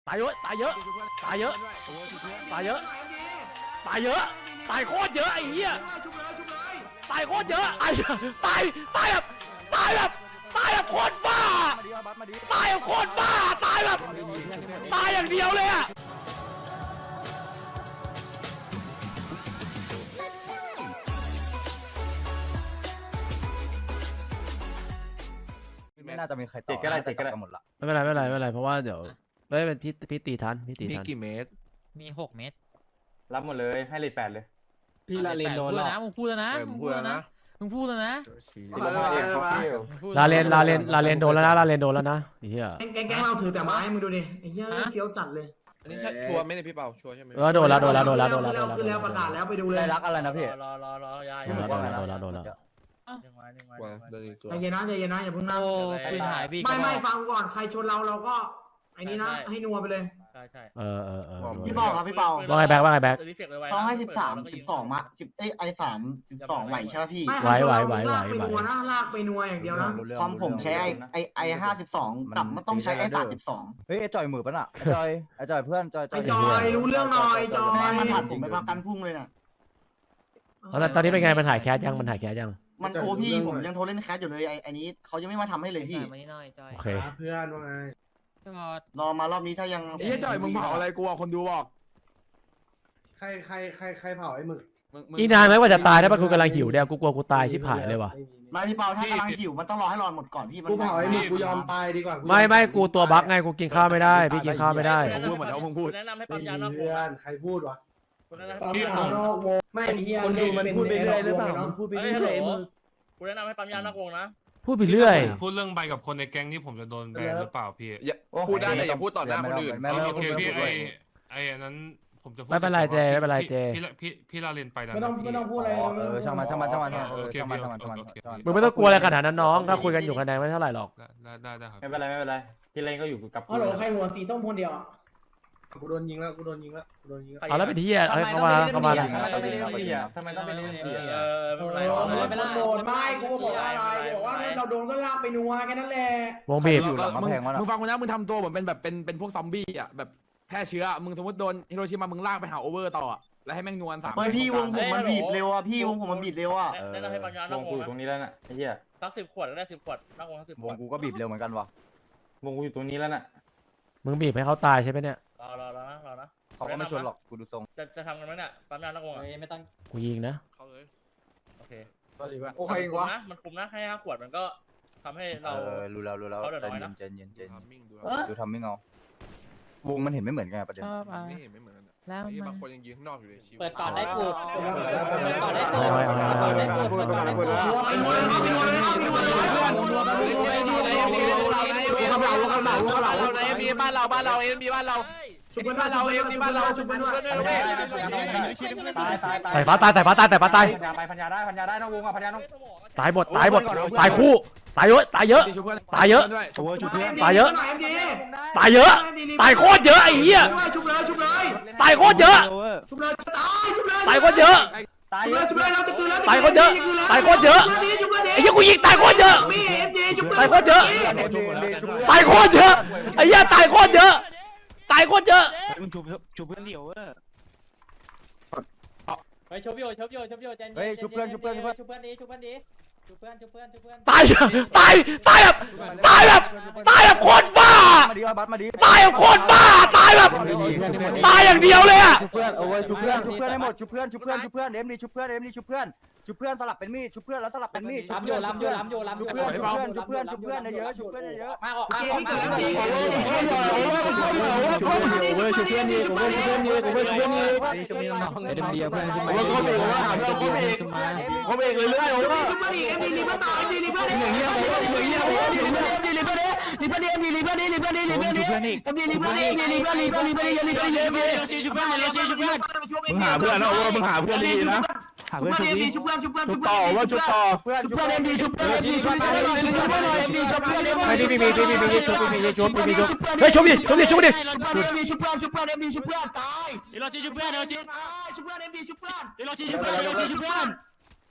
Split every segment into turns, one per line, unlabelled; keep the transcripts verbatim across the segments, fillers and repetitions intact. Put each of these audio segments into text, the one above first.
ตายเยอะตายเยอะตายเยอะตายเยอะตายเยอะตายโคตรเยอะไอ้เหี้ยตายโคตรเยอะไอ้ตายตายแบบตายแบบตายแบบโคตรบ้าตายแบบโคตรบ้าตายแบบตายอย่างเดียวเลยอะ
ไม่น่าจะมีใครตอบก็ได้ติดกันหมดละ
ไม่เป็นไรไม่เป็นไรไม่เป็นไรเพราะว่าเดี๋ยวไม่เป็นพี่พี่ตีทันพี่ตี
มี
ทัน
กี่เมตร
มีหกเม็ด
รับหมดเลยให้เลยแปดเลย
พี่ลาเลนโดนหรอ
นะมึงพูดแล้วนะมึงพูดแล้วนะมึงพูดแล้วนะ
ลาเลนลาเลนลาเลนโดนแล้วนะลาเลนโดนแล้วนะไอ้เหี้ย
แก๊งแก๊งเราถือแต่ไม้มึงดูดิไอ้เหี้ยเฟี้ยวจัดเลย
อันนี้ชัวร์ไหมเนี่ยพี่เปาชัวร์ใช่ไหม
เออโดนแล้วโดนแล้วโดนแล้วโดนแล้วโดนแล้ว
คือแล้วประกาศแล้วไปดูเลย
ได้รักอะไรนะพี่
รอรอรอยาย
โดนแล้วโดนแล้วโดนแล้ว
ใจเย็นนะใจเย็นนะอย่าเพิ่งนั่ง
โอ้ปืนหายพี่
ไม่ไม่ฟังก่อนใครชนเราเราก็ไอ้นี้นะให้นัวไปเลย
ใช่ใช่
เออเออเออ
พี่เปาครับพี่เปา
ว่าไงแบ็คว่าไงแบ็ค
เขาให้สิบสามสิบสองมาสิบเอ้ไอสามสิบสองไหวใช่ไหมพี่
ไหวไหวไหวไหว
ลากไปนัวนะลากไปนัวอย่างเดียวนะ
คอมผมใช้ไอไอไอห้าสิบสองกับมันต้องใช้ไอสามสิบสอง
เฮ้ยไอจอยมือปะน่ะไอจอยไอจอยเพื่อนจอยจ
ไอ้
อย
จอยรู้เรื่องหน่อยจอ
แม่
ย
มันผ่านผมไปประกันพุ่งเลยน่ะ
แล้วตอนนี้เป็นไงมันถ่ายแคสยังมันถ่ายแคสยัง
มันโทรพี่ผมยังโทรเล่นแคสอยู่เลยไอไอนี้เขายังไม่มาทำให้เลยพี่
โอเค
เพื่อนว่าไง
รอมารอบนี้ถ้ายัง
ไอ้เจ้าจ่อยมึงเผาอะไรกูอ่ะคนดูบอก
ใครใครใครใครเผาไอ้หมึก
อีนานไหมว่าจะตายถ้ามันกูกำลังหิวเดี๋ยวกูกลัวกูตายชิบหายเลยว่ะ
ไม่พี่เปาถ้ากำลังหิวมันต้องรอให้รอหมดก่อนพี่มัน
กูเผาไอ้หมึกกูยอมตายดีกว่า
ไม่ไม่กูตัวบั๊กไงกูกินข้าวไม่ได้พี่กินข้าวไม่ได้
มึงพูดเหมือนเขามึงพูด
แนะนำให้ปั๊มยานอกว
เพื่
ง
อนใครพูดวะ
คุณแนะนำ
ปั๊มยานอกวงไม่คนดูมันพูดไปเรื่อยหรือเปล่ามันพูดไปเรื่อยมึง
คุณแนะนำให้ปั๊มยานอกวงนะ
พูดไปเรื่อย
พูดเรื่องใบกับคนในแก๊งนี่ผมจะโดนแบนหรือเปล่าพี่
พูดได้แต่อย่าพูดต่อหน้าคนอื่น
โอเคพี่ไอไออันนั้นผมจะพูด
ไม่เป็นไรเจไม่เป็นไรเจ
พี่พี่พี่ลาเรียนไปแล้ว
ไม่ต้องไม่ต้องพูดอะไร
เออช่างมันช่างมันช่างมัน
โอเค
ช่างมัน
พี่
ช่างมันช่างมัน
โอเค
มึงไม่ต้องกลัวอะไรขนาดนั้นน้องถ้าคุยกันอยู่คะแนนไม่เท่าไหร่หรอก
ได้ได้ได้ครับ
ไม่เป็นไรไม่เป็นไรพี่เล่นก็อยู่กับ
ฮัลโหลใครหัวสีส้มคนเดียวกูโดนยิงแล้วกูโดนยิงแล้วกูโดนยิงแล้ว
เอาแล้วเป็นที่เอ้ยเข้ามาเข้ามา
ทำไมต้องเป็นเรื่องดีอ่ะทำไมต้องเป็นเรื่องดี
เอ
อ่ะ
อไม่
เอ
เป็นไร
อมันโดนไม่กูบอกว่าอะไรกูบอกว่าถ้าเราโดนก็ลากไปนัวแค่นั้นแหละ
วงบีบ
อยู่หลังกำแพงวะ
มึงฟังกูนะมึงทำตัวเหมือนเป็นแบบเป็นเป็นพวกซอมบี้อ่ะแบบแพร่เชื้อมึงสมมติโดนฮิโรชิมามึงลากไปหาโอเวอร์ต่อแล้วให้แม่งนวลสาม
ไม่พี่วงผมมันบีบเร็วอ่ะพี่วงผมมันบีบเร็วอ่ะ
แนะนำให้ปั๊มยาน
ว
อก
ง
ว
กู
ง
อยู่ตรงนี้แล้วน่ะไอ้เหี้ย
สักสิบขวดก็ได้สิบขวดนอกวงสักสิบข
ว
ว
ง
ด
กูก็บีบเร็วเหมือนกันวะวงกูอยู่ตรงนี้แล้วน่ะ
มึงบีบให้เขาตายใช่ไหมเนี่ย
รอรอรอนะรอนะ
เขาก็ไม่ชวนหรอกกูดูทรง
จะจะทำกันไหมเนี่ยปั๊มยานอกวงอ่ะไม่ต้อง
กูยิงนะ
เขาเลย
โอเค
โอเควะ
นะมันคุมนะแค่ห้าขวดมันก็ทำให้
เอ
เรา
อรู้แล้วรู้แล้วใจเย็นใจเย็นใจเย็น
ทำมิ่งดู
ดูทำไม่เงา วงมันเห็นไม่เหมือนกันประเด็น
ชอบอ่ะ
ไม่เห็นไม่เหมือนกัน
แล้ว
บางคนยังยืนข้างนอกอยู่เลยชิว
เปิดก่อนได้ปูด
เปิดก่อนได้
เอาไว้เอาไว้เอาไว้
ไปนัวเลยไปนัวเลยไปนัวเลย
เอ็มบีบ้านเราบ้านเราเอ็มบีบ้านเรา
ชุบบ้านเราเองบ้านเราชุบบ้านด้วย
ใส่ฟ้าตายใส่ฟ้าตายใส่ฟ้าตาย
พันยาไปพันยาได้พันยาได้น้องวงอ่ะพันยาน้อง
ตายหมดตายหมดตายคู่ตายเยอะตายเยอะตายเยอะตายเยอะตายเยอะตายโคตรเยอะไอ้เหี้ย
ชุบเลยชุบเลย
ตายโคตรเยอะ
ชุบเลยตายชุบเลย
ตายโคตรเยอะ
ตาย
ชุบเลยชุบเลยเราจะคืนแล้ว
ตายโคตรเยอะตายโคตรเยอะไอ้เหี้ยกูยิงตายโคตรเยอะ ตายโคตรเยอะตายโคตรเยอะไอ้เหี้ยตายโคตรเยอะตายโคตรเยอะ
มึงชุบชุบเพื่อนเดี่ยวเว้ย
ไปชบโยชบโยชบโยใจ
เฮ้ยชุบเพื่อนชุบเพื่อนชุบเพื่อน
ชุบเพื่อนดีชุบเพื่อนดีชุบเพื่อนชุบเพื่อนชุบเพื่อน
ตายตายตายแบบตายแบบตายแบบโคตรบ้า
มาดีบัตมาดี
ตายแบบโคตรบ้าตายแบบตายอย่างเดียวเลยอะ
ชุบเพื่อนเอาไว้ชุบเพื่อนชุบเพื่อนให้หมดชุบเพื่อนชุบเพื่อนชุบเพื่อนเอ็มดีชุบเพื่อนเอ็มดีชุบเพื่อนชุบเพื่อนสลับเป็นมีดชุบเพื่อนแล้วสลับเป็นมีดชุบเพื่อนชุบเพื่อนชุบเพื่อนชุบเพื่อนชุบเพื่อนเยอะชุบเพื่อนเยอะ
มาออกมา
เก
อ
ม
อก
ที่
มา
เกิดแล้วเกม
ชุบเพื่อนดีชุบเพื่อนดีชุบเพื่อนดีชุบเพื่อนดีชุบเพื่อนดีชุบเพื่อนดีชุบเพื่อนดี
เอ็มบีเพื่อนขึ้นมา
โอ้โหเขาเบรกว่าเขาเบรกเขาเบรกเลยเรื่อยโอ้โห
ชุบเพื่อนอีกเอ็มดีรีบมาต่อยเอ็มดีรีบมาดิ
อย่างเงี้ยโอ้โหอย่างเงี้ยโอ้โห
รีบมาดิรีบมาดิรีบมาดิเอ็มดีรีบมาดิรีบมาดิรีบมาดิเอ็มดีรีบมาดิเอ็มดีรีบมาดิรีบมาดิรีบมาดิรีบมาดิรีบมาดิชุบเพื่อนชุบเพื่อน
มึงหาเพื่อนนะโอ้มึงหาเพื่อนดีนะ
หาเพื่อนชุบนี้
ชุบเพื่อนชุบเพื่อน
ชุ
ชุ
บบ ต่อว่าชุบต่อเพื่อน
เพื่อนเอ็มดีชุบเพื่อนเอ็มดีชุบเพื่อนเอ็มดีชุบเพื่อนเอ็มดีชุบเพื่อนเอ็มดี
ไม่มีมีมีมีมีชุบมีมีชุบมีมีชุบเฮ้ยชุบดิชุบดิชุบดิ
ชุบเพื่อนเอ็มดีชุบเพื่อนชุบเพื่อนเอ็มดีชุบเพื่อนตาย
เอโรจีชุบเพื่อนเอโรจี
ชุบเพื่อนเอ็มดีชุบเพื่อน
เอโรจีชุบเพื่อนเอโรจีชุบเพื่อน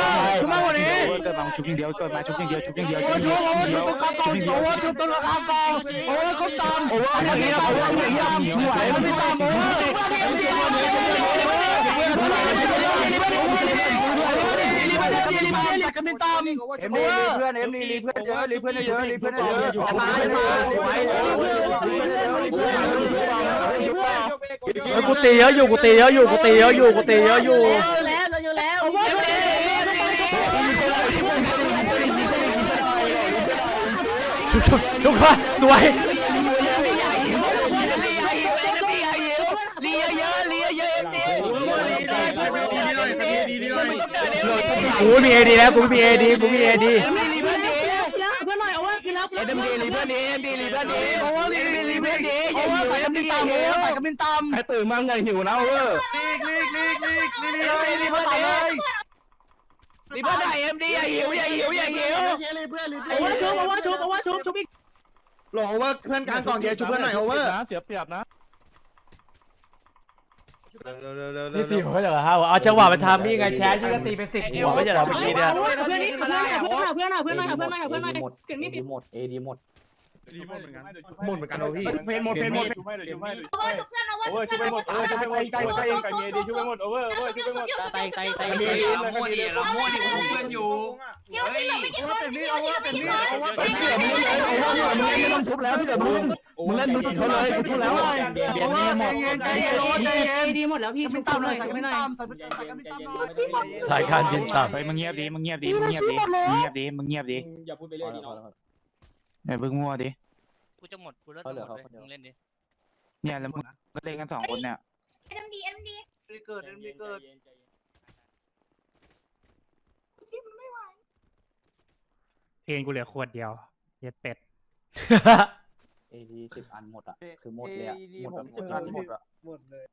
ชุบมากกว่านี้
เกิดมาชุบอย่างเดียวเกิดมาชุบอย่างเดียวชุบอย่างเดียว
โอ้ชุบโอ้ชุบตัวกองกองโอ้ชุบตัวกองกองโอ้เขาตามโอ้อันนี้โอ้อันนี้ไหวไม่ตามโอ้เอ็มดีเพื่อนเอ็มดีเพื่อนเยอะรีเพื่อนเยอะรีเพื่อนเยอะมามาไหวเลย
กูตีเยอะอยู่กูตีเยอะอยู่กูตีเยอะอยู่กูตีเยอะอยู่
แล้วเราอยู่แล้ว
ชุบชุบชุบมาสวย
ลีเยอะลีเยอะเอ็มดี
กูมีเอดีแล้วกูมีเอดีกูมีเอดี
เพื่อนดีเพื่อนหน่อยเอาว่าคือแล้ว
เอ็มดีรีเพื่อนดีเอ็มดีรีเพื่อนดีโอ้รีรีเพื่อนดีโอ้ใส่กระมิ้นตามโอ้ใส่กระมิ้นตามใครตื่นมาไงหิวนะโอ้ลีกลีกลีกลีกลีกลีรีเพื่อนเลยรีเพื่อนใหญ่เอ็มดีอย่าหิวอย่าหิวอย่าหิว
เอาว่าชุบเอาว่าชุบเอาว่าชุบชุบอีก
หลงโอเวอร์เพื่อนกลางกล่องเดียวชุบเพื่อนหน่อยโอเวอร์เสียเปรียบนะ
นี่ตีผมก็จะห้าวเอาจังหวะไปทำนี่ไงแชร์ยี่ก็ตีเป็นสิบหัวก็จะเหรอเมื่อกี้เนี่ย
เพื่อนนี่เพื่อนเพื่อนเพื่อนเพื่อนเพื่อนเพื่อนเพื่อนเพื่อนเสียงนี่
หมดเอดีหมด
หมดเหมือนกันโอพี่เพนหมดเพนหมด
โอเวอร์ชุบเพื่อนโอเวอร์ชุบเพื่อนโอเวอร์ชุบเพื่อนโอเวอร์ชุบเพื่อนใกล้ใกล้ใกล้เอดีชุบไปหมดโอเวอร์โอเวอร์ชุบไปหมด
ไตไตไต
เราโม่ดิเราโม่ดิเพื่อนอยู่
เดี๋ยวชิลไม่กี่คนเดี๋ยวชิลไม่กี่คน
มึงไม่ต้องชุบแล้วพี่เดี๋ยวมึงมึงเล่นมึงชุบเลยชุบแล้วเบียดเบียดนี่หมดใจเย็นใจเย็น
ดีหมดแล้วพี่ชุบตามหน่อยไม่หน่อย
สายการบินต่
ไปมึงเงียบดิมึงเงียบดิมึงเงียบดิมึงเงียบดิมึงเงียบดิ
อย่าพูดไปเรื่อยดิน้อง
ไอ้เบิ้งมั่วดิ
กูจะหมดกูเลิกหมดเลยมึงเล่นดิ
เนี่ยแล้วมึงก็เล่นกันสองคนเนี่ย
เอ็มดีเอ็มดี
เกิดมีเกิด
เพลงกูเหลือขวดเดียวเย็ดเป็ด
ำ
เอดีสิบอันหมดอ่ะคือหมดเลยอ่ะหมดสิบอันหมดอ่ะ
หมดเลย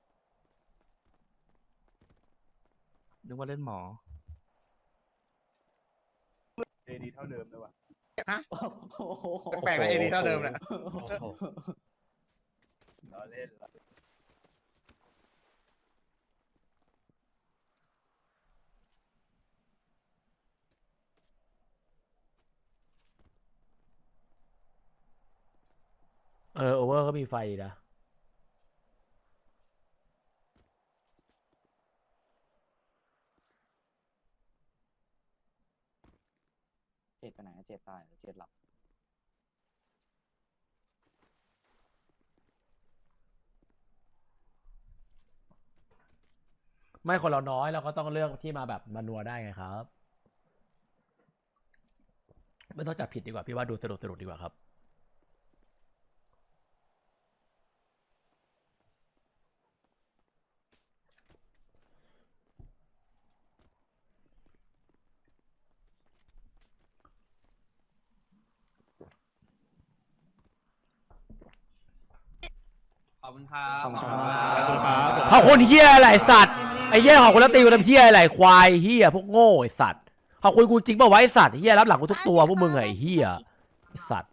นึกว่าเล่นหมอ
เอดีเท่าเดิมเลยว่ะฮะแปลกๆนะเอดีเท่าเดิมแหละเราเล่น
เออโอเวอร์ก็มีไฟนะ
เจ็ดไปไหนเจ็ดตายเจ็ดหลับ
ไม่คนเราน้อยเราก็ต้องเลือกที่มาแบบมานัวได้ไงครับไม่ต้องจับผิดดีกว่าพี่ว่าดูสนุกสนุกดีกว่าครับ
ขอบคุณครับ
ขอบคุณครับ
เขาคนเฮียอะไรสัตว์ไอ้เฮียเขาคนละตีกูทำเฮียอะไรควายเฮียพวกโง่ไอ้สัตว์เขาคุยกูจริงป่าววะไอ้สัตว์เฮียรับหลังกูทุกตัวพวกมึงไอ้เฮียไอ้สัตว์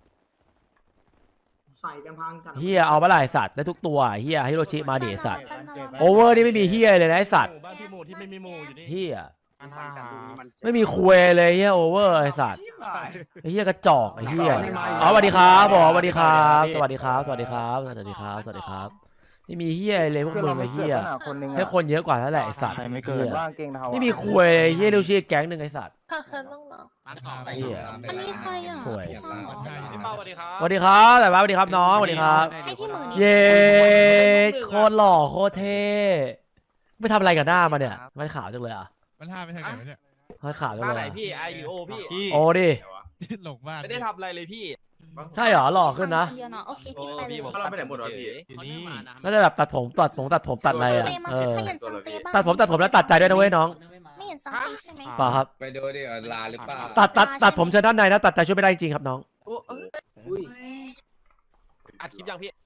ใส่กันพังกัน
เฮียเอามาหลายสัตว์ได้ทุกตัวเฮียฮิโรชิมาดิไอ้สัตว์โอเวอร์นี่ไม่มีเฮียเลยนะไอ้สัตว์
บ้านพี่หมูที่ไม่มีหมูอยู่นี่
เฮียไม่มีคุยเลยเฮียโอเวอร์ไอ้สัตว์ไอ้เฮียกระจอกไอ้เฮียอ๋อสวัสดีครับผมสวัสดีครับสวัสดีครับสวัสดีครับสวัสดีครับสวัสดีครับไม่มีเฮียเลยพวกมึงไอ้เฮียให้คนเยอะกว่าแล้วแหละไอ้สัตว์
ใครไม่เกิด
ไม่มีคุยเลยเฮียดูชื่อแก๊งหนึ่งไอ้สัตว์
ใค
ค่ะค่ะต้องเหรอ
เหี้ย
อันนี้ใครอ่ะ
ห่วย
พี่ฟังเหรอ
พี่เป้าสวัสดีครับ
สวัสดีครับแต่ว่าสวัสดีครับน้องสวัสดีครับ
ให้ที่มือนี้
เย้โคตรหล่อโคตรเท่ไม่ทำอะไรกับหน้ามาเนี่ยมันขาวจังเลยอ่ะ
มันห้าไปทางไหนวะเนี่ย
มันขาวจัง
บ้าน
เล
ไหน
ยอะ
พี่ไอหรือโอพี่
โอ้ดิ
หลงบ้าน
ไม่ได้ทำอะไรเลยพี่
ใช่เหรอหล่อขึ้นนะ
เดียวเนาะโอเคพี่ไปเลย
เราไปไหนหมดวะพี่
อยู่นี่
น่าจะแบบตัดผมตัดผมตัดผมตัดอะไรอ่ะ
เต้มา
เออ
ไม่เห็นสังเตบ้าง
ตัดผมตัดผมแล้วตัดใจด้วยนะเว้ยน้อง
ไม่เห็นสังเตใช่ไหม
เปล่าครับ
ไปดูดิลาหรือเปล่า
ตัดตัดตัดผมเชิญด้านในนะตัดใจช่วยไม่ได้จริงๆครับน้อง
อัดคลิปยังพี่